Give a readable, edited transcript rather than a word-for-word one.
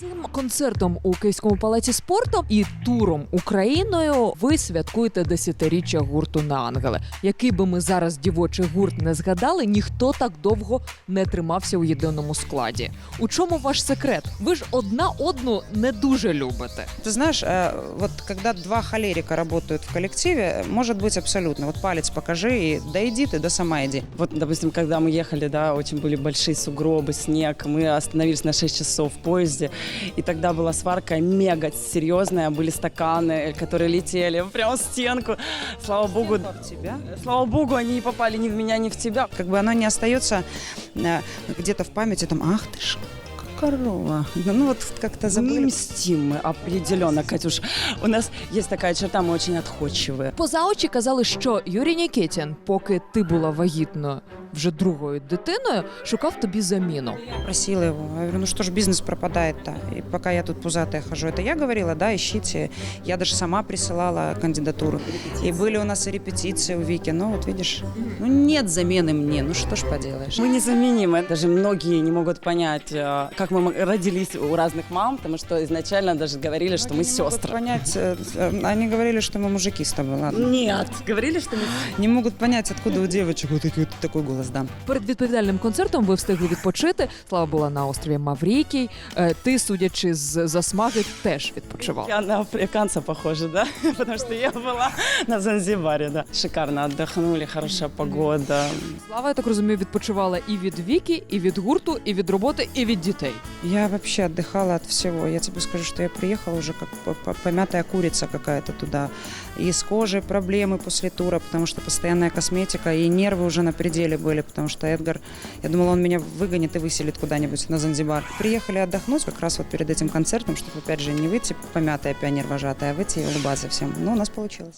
Цим концертом у Київському палаці спорту і туром Україною ви святкуєте 10-річчя гурту «На ангели». Який би ми зараз дівочий гурт не згадали, ніхто так довго не тримався у єдиному складі. У чому ваш секрет? Ви ж одна одну не дуже любите. Ты знаешь, вот когда два холерика работают в коллективе, может быть абсолютно. Вот палец покажи и да иди ты, да сама иди. Вот, допустим, когда мы ехали, да, очень были большие сугробы, снег, мы остановились на 6 часов в поезде, и тогда была сварка мега серьезная, были стаканы, которые летели прямо в стенку. Слава богу, В тебя. слава богу, они не попали ни в меня, ни в тебя. Как бы оно не остается где-то в памяти, там, ах ты ж, корова. Ну вот как-то Не забыли. мстим мы определенно, Катюш. У нас есть такая черта, мы очень отходчивые. Поза очі казали, що Юрій Нікітін, поки ти була вагітною вже другою дитиною, шукав тобі заміну. Просила его. Я говорю, ну что ж, бизнес пропадает-то. И пока я тут пузатая хожу. Это я говорила, да, ищите. Я даже сама присылала кандидатуру. И были у нас и репетиции у Вики. Ну вот видишь, ну нет замены мне. Ну что ж поделаешь. Мы незаменимы. Даже многие не могут понять, как мы родились у разных мам, потому что изначально даже говорили, что мы Они не могут сестры. понять, они говорили, что мы мужики с тобой, ладно. Нет, говорили, что мы... Не могут понять, откуда у девочек вот такой голос, да. Перед відповідальним концертом ви встигли відпочити. Слава була на острові Маврикій. Ти, судячи з засмаги, теж відпочивав. Я на африканца похожа, да? Потому что я была на Занзибаре, да. Шикарно отдохнули, хорошая погода. Слава, я так розумію, відпочивала і від Віки, і від гурту, і від роботи, і від дітей. Я вообще отдыхала от всего. Я тебе скажу, что я приехала уже как помятая курица какая-то туда. И с кожей проблемы после тура, потому что постоянная косметика, и нервы уже на пределе были, потому что Эдгар, я думала, он меня выгонит и выселит куда-нибудь на Занзибар. Приехали отдохнуть как раз вот перед этим концертом, чтобы опять же не выйти помятая пионер-вожатая, а выйти и улыбаться всем. Но у нас получилось.